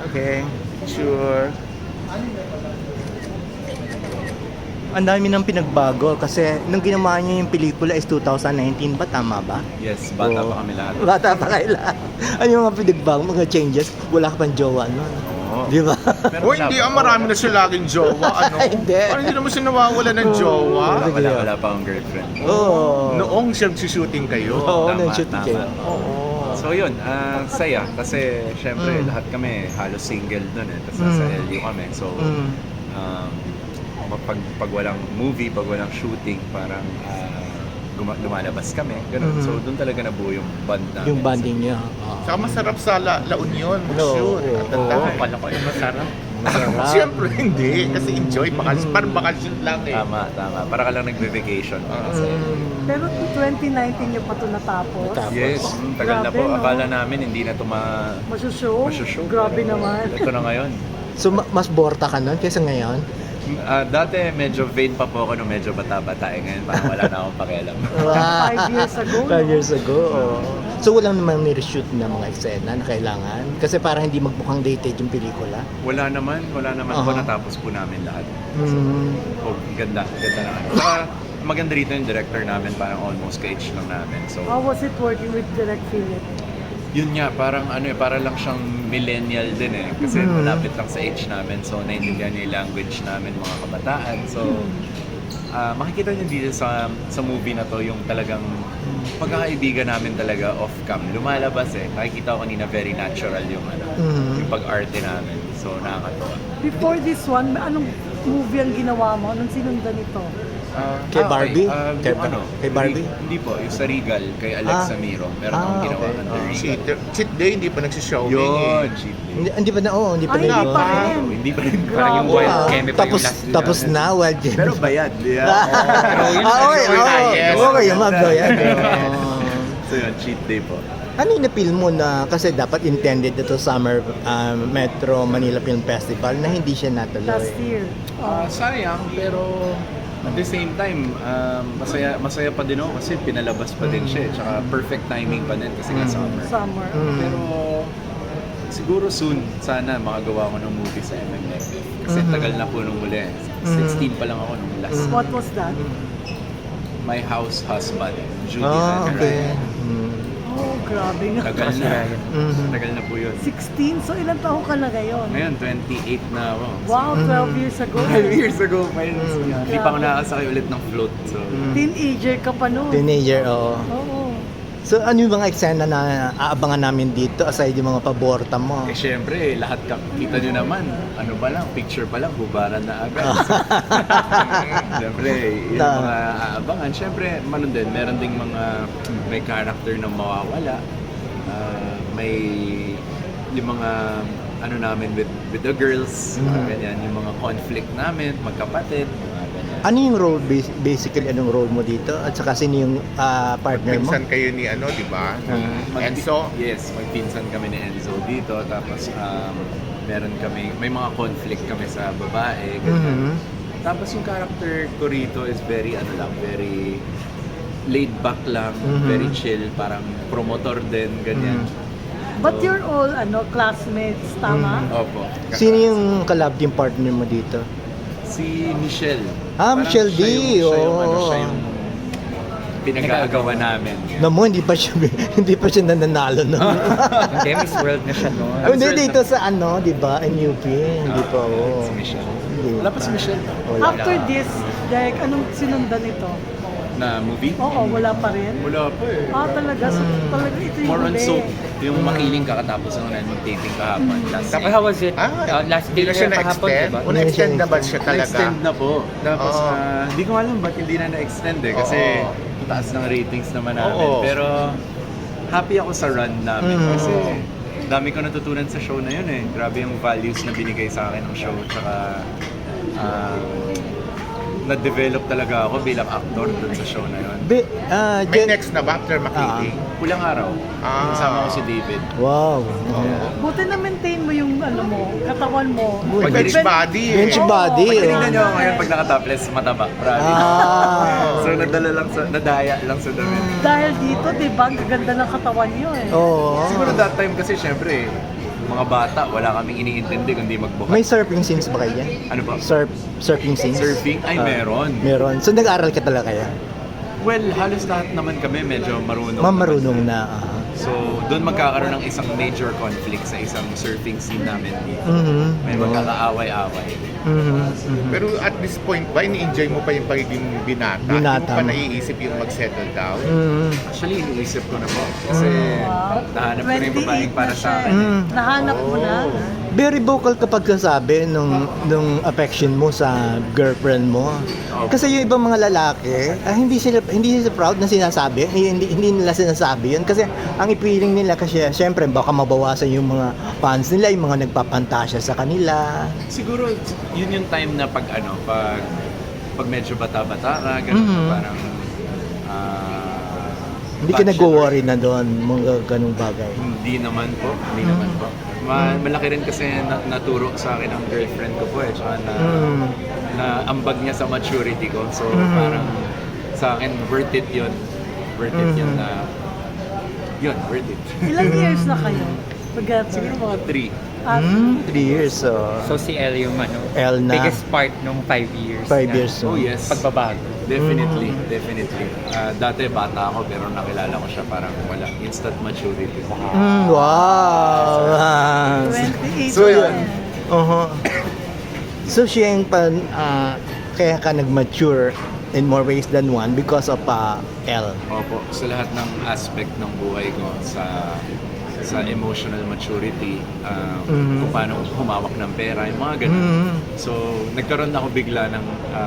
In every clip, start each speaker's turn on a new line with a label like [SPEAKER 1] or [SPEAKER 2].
[SPEAKER 1] Okay, sure. Ang dami nang pinagbago kasi nung ginawa niyo yung pelikula is 2019 ba? Tama ba?
[SPEAKER 2] Yes, bata
[SPEAKER 1] Oo.
[SPEAKER 2] pa kami lahat.
[SPEAKER 1] Bata pa kayo lahat. Ano yung mga pinagbago, mga changes? Wala ka pang jowa nun.
[SPEAKER 2] Oo.
[SPEAKER 1] Di ba?
[SPEAKER 2] Pero
[SPEAKER 3] O hindi, marami na siya laging jowa, ano?
[SPEAKER 1] Hindi.
[SPEAKER 3] Parang hindi naman siya nawawala ng jowa.
[SPEAKER 2] Wala pa akong girlfriend.
[SPEAKER 1] Oo.
[SPEAKER 3] Noong siya shooting kayo.
[SPEAKER 1] Oo,
[SPEAKER 2] Tama,
[SPEAKER 1] nag-shoot
[SPEAKER 2] tama.
[SPEAKER 1] kayo. Oo.
[SPEAKER 2] So yun, saya. Kasi syempre lahat kami halos single dun eh. Tapos nasa LU kami. So, pag walang movie, pag walang shooting, parang lumalabas kami. Ganun. So doon talaga nabuo yung bond namin.
[SPEAKER 1] Yung bonding niya.
[SPEAKER 3] Saka masarap sa La Union, mag-shoot.
[SPEAKER 1] Oo,
[SPEAKER 3] At that
[SPEAKER 1] oo.
[SPEAKER 3] time.
[SPEAKER 4] Pala ko yung masarap.
[SPEAKER 1] Masarap.
[SPEAKER 3] Siyempre hindi, kasi enjoy, parang bakasyon lang eh.
[SPEAKER 2] Tama. Para ka lang nagve-vacation.
[SPEAKER 5] Pero 2019 niyo pa ito natapos.
[SPEAKER 1] Natapos.
[SPEAKER 2] Yes, tagal na po.
[SPEAKER 5] Grabe, no?
[SPEAKER 2] Akala namin hindi na ito
[SPEAKER 5] Masushow?
[SPEAKER 2] masushow.
[SPEAKER 5] Grabe
[SPEAKER 2] Pero
[SPEAKER 5] naman.
[SPEAKER 2] Ito na ngayon.
[SPEAKER 1] So, mas borta ka nun kaysa ngayon?
[SPEAKER 2] Dati medyo vain pa po ako nung medyo bata-bata. Ngayon parang wala na akong pakialam.
[SPEAKER 5] 5 years ago, no?
[SPEAKER 1] 5 years ago, oo. So, walang namang ni-reshoot na mga eksena na kailangan? Kasi parang hindi magmukhang dated yung pelikula.
[SPEAKER 2] Wala naman po.
[SPEAKER 1] Aha.
[SPEAKER 2] Natapos po namin lahat.
[SPEAKER 1] Mm.
[SPEAKER 2] Oh, ganda naman. Saka maganda rito yung director namin, parang almost ka-age lang namin. So,
[SPEAKER 5] How was it working with Direct Philip?
[SPEAKER 2] yun nga, parang para lang siyang millennial din eh. Kasi malapit lang sa age namin. So, naintindihan niya yung language namin, mga kabataan. So, makikita niyo dito sa movie na to yung talagang pagkakaibigan namin talaga off-cam. Lumalabas eh. Nakikita ko kanina very natural yung yung pag-arte namin. So, nakakatawa.
[SPEAKER 5] Before this one, anong movie ang ginawa mo? Anong sinundan ito?
[SPEAKER 1] Kay Barbie?
[SPEAKER 2] Okay.
[SPEAKER 1] Kay Barbie?
[SPEAKER 2] Hindi po. Yung sa Regal, kay Alexa Miro. Meron akong ginawa
[SPEAKER 1] okay.
[SPEAKER 2] under Regal.
[SPEAKER 3] Cheat day, hindi pa nagsishowing
[SPEAKER 2] Yun,
[SPEAKER 3] eh.
[SPEAKER 2] cheat day.
[SPEAKER 1] Hindi pa na, hindi pa
[SPEAKER 5] Ay,
[SPEAKER 1] na
[SPEAKER 5] hindi
[SPEAKER 1] yun.
[SPEAKER 5] pa rin.
[SPEAKER 2] Hindi pa rin.
[SPEAKER 4] Parang yung
[SPEAKER 5] Grabe.
[SPEAKER 4] wild
[SPEAKER 1] Ah,
[SPEAKER 4] Kemi pa yung
[SPEAKER 1] tapos,
[SPEAKER 4] last
[SPEAKER 1] tapos
[SPEAKER 4] nila.
[SPEAKER 1] na, wild Kemi.
[SPEAKER 2] Pero bayad. Yeah.
[SPEAKER 1] Okay,
[SPEAKER 3] yes.
[SPEAKER 1] okay, yung mga yan.
[SPEAKER 2] So yun, cheat day po.
[SPEAKER 1] Ano yung na-feel mo na, kasi dapat intended ito Summer Metro Manila Film Festival na hindi siya natuloy?
[SPEAKER 5] Last year.
[SPEAKER 2] Sayang, pero at the same time, masaya pa din ako kasi pinalabas pa din siya. Tsaka perfect timing pa din kasi nga summer.
[SPEAKER 5] Summer.
[SPEAKER 2] Pero siguro soon, sana makagawa ko ng movie sa MMFF. Kasi tagal na po nung muli. 16 pa lang ako nung last.
[SPEAKER 5] What was that?
[SPEAKER 2] My House Husband, Judy
[SPEAKER 1] Ah,
[SPEAKER 2] Vandermeer.
[SPEAKER 1] okay.
[SPEAKER 5] Oh, grabe nga.
[SPEAKER 2] Tagal na.
[SPEAKER 1] Mhm.
[SPEAKER 2] Tagal na po yun.
[SPEAKER 5] 16? So ilang taon ka na ngayon?
[SPEAKER 2] Ngayon, 28 na ako.
[SPEAKER 5] Wow, 12 years ago.
[SPEAKER 2] 12 years ago pa yun. So, hindi pa ako nakakasakay ulit ng float. So,
[SPEAKER 5] Teenager ka pa noon.
[SPEAKER 1] Teenager, oo.
[SPEAKER 5] Oo.
[SPEAKER 1] So, ano yung mga eksena na aabangan namin dito aside yung mga paborta mo?
[SPEAKER 2] syempre, lahat kita nyo naman. Ano ba lang, picture pa lang, hubaran na agad. So, syempre, yung mga aabangan. Syempre, meron ding may character na mawawala. May yung mga namin with the girls, ganyan, yung mga conflict namin, magkapatid, mga ganyan.
[SPEAKER 1] Ano yung role, basically, anong role mo dito? At saka sino yung partner mo?
[SPEAKER 3] Pinsan kayo ni di ba? Enzo.
[SPEAKER 2] Yes, magpinsan kami ni Enzo dito. Tapos may mga conflict kami sa babae. Ganyan. Tapos yung character ko rito is very very laid back lang, very chill, parang promotor din, ganyan.
[SPEAKER 5] But you're all classmates, tama?
[SPEAKER 2] Opo.
[SPEAKER 1] Sino yung collab team partner mo dito?
[SPEAKER 2] Si Michelle.
[SPEAKER 1] Ah, Michelle D.
[SPEAKER 2] Siya
[SPEAKER 1] Oo.
[SPEAKER 2] yung pinag-aagawan namin.
[SPEAKER 1] Namo, hindi pa siya nananalo no.
[SPEAKER 4] Hindi, Miss World na siya noon.
[SPEAKER 1] Hindi dito sa di ba? NUP, hindi pa
[SPEAKER 2] Si Michelle.
[SPEAKER 1] Hindi
[SPEAKER 2] Wala pa si Michelle.
[SPEAKER 5] After this, Derek, anong sinundan ito?
[SPEAKER 2] Na movie?
[SPEAKER 5] Oo, wala pa rin.
[SPEAKER 2] Wala pa eh.
[SPEAKER 5] Talaga? So, talaga ito yung
[SPEAKER 2] More on
[SPEAKER 5] huli.
[SPEAKER 2] soap. Yung makiling kakatapos ng mag-taping kahapon. Last
[SPEAKER 4] Tapos how was it? Last day
[SPEAKER 3] Hindi na siya
[SPEAKER 4] na kahapon,
[SPEAKER 3] na-extend?
[SPEAKER 4] diba?
[SPEAKER 3] O na-extend na ba siya talaga?
[SPEAKER 2] Na-extend na po. Tapos,
[SPEAKER 3] Oo.
[SPEAKER 2] hindi ko alam ba't hindi na na-extend eh. Kasi
[SPEAKER 3] Oo.
[SPEAKER 2] taas ng ratings naman namin.
[SPEAKER 3] Oo.
[SPEAKER 2] Pero, happy ako sa run namin. Kasi, dami ko natutunan sa show na yun eh. Grabe yung values na binigay sa akin ng show. Tsaka, na-develop talaga ako bilang actor dun sa show na yun.
[SPEAKER 3] May next na ba after makiling?
[SPEAKER 2] Pulang araw.
[SPEAKER 3] Ah.
[SPEAKER 2] Kasama ko si David.
[SPEAKER 1] Wow.
[SPEAKER 5] Buti na maintain mo yung katawan mo.
[SPEAKER 3] Bench body eh.
[SPEAKER 1] Bench body.
[SPEAKER 2] Pag
[SPEAKER 1] oh.
[SPEAKER 2] tinignan nyo ako ngayon pag naka-topless, mataba. Promise. So, nadaya lang sa damit.
[SPEAKER 5] Dahil dito, di ba, ang gaganda ng katawan nyo eh.
[SPEAKER 1] Oo.
[SPEAKER 2] Siguro that time kasi syempre, mga bata, wala kaming iniintindi kundi magbuhat.
[SPEAKER 1] May surfing scenes ba kayo yan?
[SPEAKER 2] Ano ba?
[SPEAKER 1] Surfing scenes?
[SPEAKER 2] Surfing? Ay, meron.
[SPEAKER 1] Meron. So nag-aaral ka talaga kaya?
[SPEAKER 2] Well, halos lahat naman kami medyo marunong.
[SPEAKER 1] Marunong na.
[SPEAKER 2] So, doon magkakaroon ng isang major conflict sa isang surfing scene namin dito.
[SPEAKER 1] Mhm.
[SPEAKER 2] May magkakaaway-away.
[SPEAKER 3] Pero at this point ba, ini-enjoy mo pa yung pagiging binata?
[SPEAKER 1] Binata
[SPEAKER 3] Hindi mo pa
[SPEAKER 1] mo.
[SPEAKER 3] naiisip yung mag-settle down?
[SPEAKER 2] Actually, iniisip ko na po. Kasi
[SPEAKER 5] Wow.
[SPEAKER 2] nahanap ko na yung babaeng
[SPEAKER 5] 28
[SPEAKER 2] para
[SPEAKER 5] na
[SPEAKER 2] sa
[SPEAKER 5] siya
[SPEAKER 2] akin.
[SPEAKER 5] eh. Nahanap mo na.
[SPEAKER 1] Very vocal kapag kasabi nung affection mo sa girlfriend mo.
[SPEAKER 2] Okay.
[SPEAKER 1] Kasi yung ibang mga lalaki, hindi sila proud na sinasabi. Hindi nila sinasabi yun. Kasi ang ipiling nila kasi syempre baka mabawasan yung mga fans nila, yung mga nagpapantasya sa kanila.
[SPEAKER 2] Siguro, yun yung time na pag medyo bata-bata ka, ganun, parang
[SPEAKER 1] Hindi ka
[SPEAKER 2] bachelor.
[SPEAKER 1] nag-worry na doon, mga ganung bagay.
[SPEAKER 2] Hindi naman po. Malaki rin kasi naturo sa akin ang girlfriend ko po eh. Tsaka na ambag niya sa maturity ko. So parang sa akin, worth it yun. Worth it yun na... Yun, worth it.
[SPEAKER 5] Ilang years na kayo together?
[SPEAKER 2] Siguro mga 3.
[SPEAKER 1] 3 years, so...
[SPEAKER 4] So si El yung
[SPEAKER 1] El na.
[SPEAKER 4] biggest part nung 5 years.
[SPEAKER 1] 5
[SPEAKER 4] na
[SPEAKER 1] years.
[SPEAKER 2] Oh yes.
[SPEAKER 4] Pagbabago.
[SPEAKER 2] Definitely. Dati bata ako pero nakilala ko siya parang wala. Instant maturity.
[SPEAKER 1] Wow!
[SPEAKER 5] 28
[SPEAKER 1] So,
[SPEAKER 5] na
[SPEAKER 1] yun.
[SPEAKER 5] eh.
[SPEAKER 1] So, siya yung kaya ka nag-mature in more ways than one because of L.
[SPEAKER 2] Opo, sa lahat ng aspect ng buhay ko, sa emotional maturity, kung paano humawak ng pera, yung mga ganun. So, nagkaroon ako bigla ng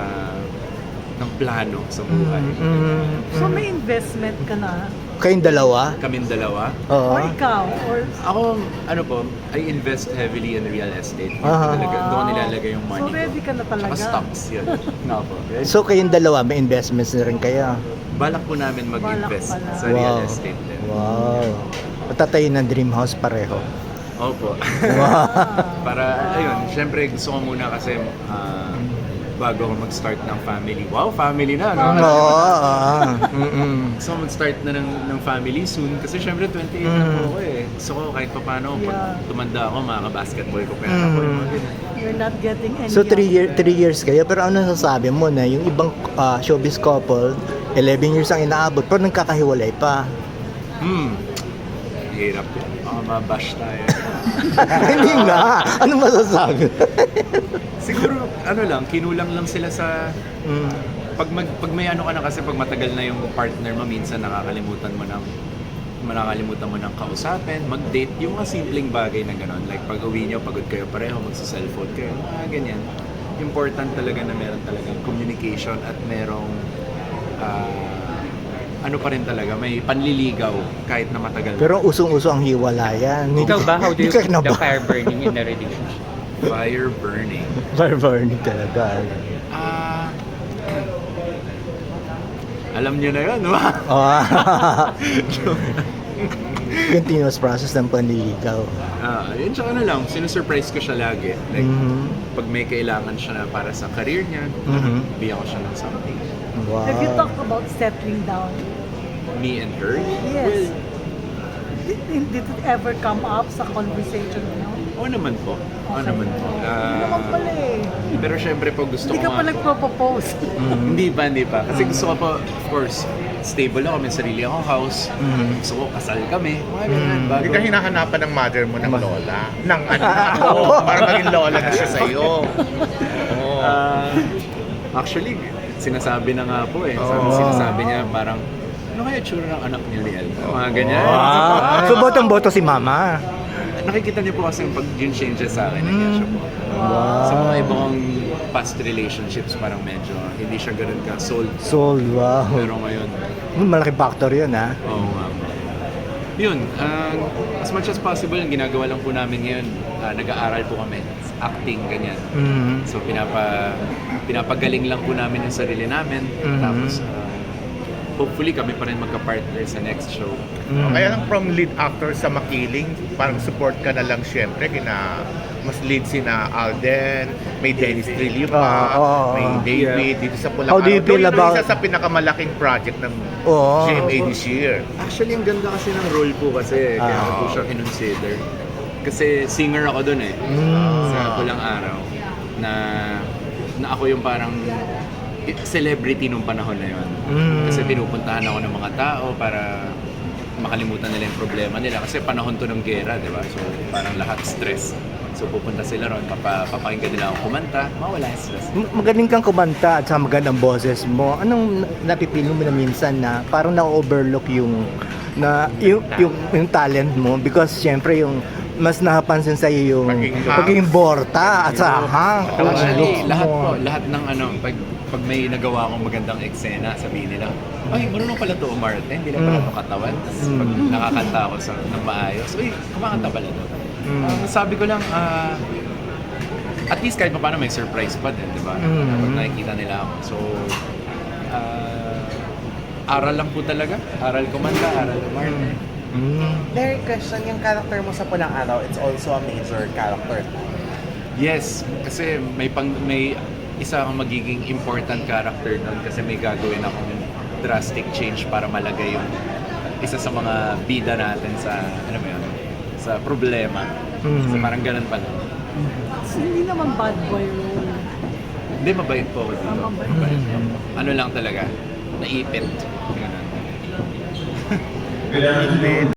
[SPEAKER 2] plano sa buhay.
[SPEAKER 5] So may investment ka na?
[SPEAKER 1] Kayong dalawa?
[SPEAKER 2] Kaming dalawa.
[SPEAKER 1] Oo.
[SPEAKER 5] Or ikaw? Or
[SPEAKER 2] Ako, I invest heavily in real estate.
[SPEAKER 1] Aha.
[SPEAKER 2] Doon ko nilalagay yung money
[SPEAKER 5] so ready
[SPEAKER 2] ko.
[SPEAKER 5] ka na talaga?
[SPEAKER 2] Saka stocks, yun. Nga po.
[SPEAKER 1] So, kayong dalawa, may investments na rin kayo?
[SPEAKER 2] Balak po namin mag-invest
[SPEAKER 5] Balak pala.
[SPEAKER 2] sa real estate din.
[SPEAKER 1] Wow. Patatayo ng dream house pareho.
[SPEAKER 2] Opo.
[SPEAKER 1] Wow.
[SPEAKER 2] Para, ayun, syempre gusto ko muna kasi bago ako mag-start ng family. Wow, family na, no? Gusto ko mag-start na ng family soon kasi syempre 28 na po ako eh. Gusto ko kahit pa paano, pag tumanda ako, makaka-basketball ko pera ako. Yung mga ganun.
[SPEAKER 5] you're not getting any
[SPEAKER 1] So, 3
[SPEAKER 5] younger?
[SPEAKER 1] years kayo. Pero ano nasasabi mo na yung ibang showbiz couple, 11 years ang inaabot, pero nagkakahiwalay pa.
[SPEAKER 2] Hirap yun. Baka mabash tayo.
[SPEAKER 1] Hindi nga. Ano masasabi?
[SPEAKER 2] Siguro, kinulang lang sila sa... Pag may ano ka na kasi, pag matagal na yung partner mo, minsan nakakalimutan mo ng kausapin, mag-date, yung mga simpleng bagay na gano'n. Like pag uwi nyo, pagod kayo pareho, magsa-cellphone kayo, mga ganyan. Important talaga na meron talagang communication at merong ano pa rin talaga, may panliligaw kahit na matagal.
[SPEAKER 1] Pero usong-uso ang hiwalayan.
[SPEAKER 4] Ikaw ba? How do you
[SPEAKER 1] Hindi ka
[SPEAKER 4] keep the
[SPEAKER 1] kinaba-
[SPEAKER 4] fire burning in a relationship?
[SPEAKER 2] Fire burning.
[SPEAKER 1] Burning talaga.
[SPEAKER 2] Alam nyo na yun, no?
[SPEAKER 1] Continuous process ng panliligaw.
[SPEAKER 2] Yun siya lang, sinusurprise ko siya lagi. Like, pag may kailangan siya na para sa career niya, bigyan ko siya ng something.
[SPEAKER 1] Wow.
[SPEAKER 5] Have you talked about settling down?
[SPEAKER 2] Me and her?
[SPEAKER 5] Yes. Did it ever come up sa conversation mo?
[SPEAKER 2] Oo naman po. Oo naman po.
[SPEAKER 5] Hindi naman pala eh.
[SPEAKER 2] Pero syempre po gusto
[SPEAKER 5] Hindi
[SPEAKER 2] ko
[SPEAKER 5] ka pa nagpropose.
[SPEAKER 2] Hindi pa. Kasi gusto ko po, of course, stable ako, may sarili akong house. Gusto ko, kasal kami. Mga ganyan.
[SPEAKER 3] Hindi ka hinahanapan ng mother mo ng lola? Ng para maging lola na siya sa'yo.
[SPEAKER 2] Actually, sinasabi na nga po eh. Sinasabi niya parang, ano kaya tsura ng anak niya ni Elsa? Mga ganyan.
[SPEAKER 1] Wow. So, botong-boto si mama.
[SPEAKER 2] Nakikita niyo po kasi yung pag-changes sa akin, nangyay siya po. Sa mga ibang past relationships, parang medyo hindi siya ganun ka sold.
[SPEAKER 1] Sold, wow.
[SPEAKER 2] Pero ngayon,
[SPEAKER 1] Malaking factor yun, ha?
[SPEAKER 2] oo nga po. Yun, as much as possible, ang ginagawa lang po namin ngayon, nag-aaral po kami, acting, ganyan. So pinapagaling lang po namin yung sarili namin. Tapos hopefully kami pa rin magka-partner sa next show.
[SPEAKER 3] Kaya lang from lead actor sa Makiling, parang support ka na lang syempre mas lead sina Alden, may Dennis Trillo pa, may David dito sa Pulang
[SPEAKER 1] How do you feel about-
[SPEAKER 3] isa sa pinakamalaking project ng GMA this year.
[SPEAKER 2] Actually, ang ganda kasi ng role po kasi, kaya ko po siya kinonsider. Kasi singer ako dun eh. Sa Pulang Araw. Na ako yung parang celebrity nung panahon na yun. Kasi pinupuntahan ako ng mga tao para makalimutan nila yung problema nila. Kasi panahon to ng gera, di ba? So parang lahat stress. So pupunta sila ron, papakinggan nila ako kumanta, mawala yung stress.
[SPEAKER 1] Magaling kang kumanta at saka magandang boses mo. Anong napipili mo na minsan na parang na-overlook yung talent mo? Because syempre yung mas napapansin sa iyo yung pagiging borta at saka
[SPEAKER 2] Actually,
[SPEAKER 1] looks mo.
[SPEAKER 2] lahat ng pag may nagawa akong magandang eksena, sabihin nila, ay, marunong pala to umarte, hindi lang pala to katawan. Tapos pag nakakanta ako ng maayos, uy, kumakanta pala to. Sabi ko lang, at least kahit paano may surprise pa din, di ba? Pag nakikita nila ako. So, aral lang po talaga. Aral kumanta, aral umarte.
[SPEAKER 6] Derek, question, yung character mo sa Pulang Araw, it's also a major character.
[SPEAKER 2] Yes, kasi may isa akong magiging important character nun kasi may gagawin akong drastic change para malagay yung isa sa mga bida natin sa, ano mo yun, sa problema. So parang ganun pala.
[SPEAKER 5] So, hindi naman bad boy role.
[SPEAKER 2] Hindi, mabait po ako dito.
[SPEAKER 5] Mabait.
[SPEAKER 2] Ano lang talaga, naipit. Ganun.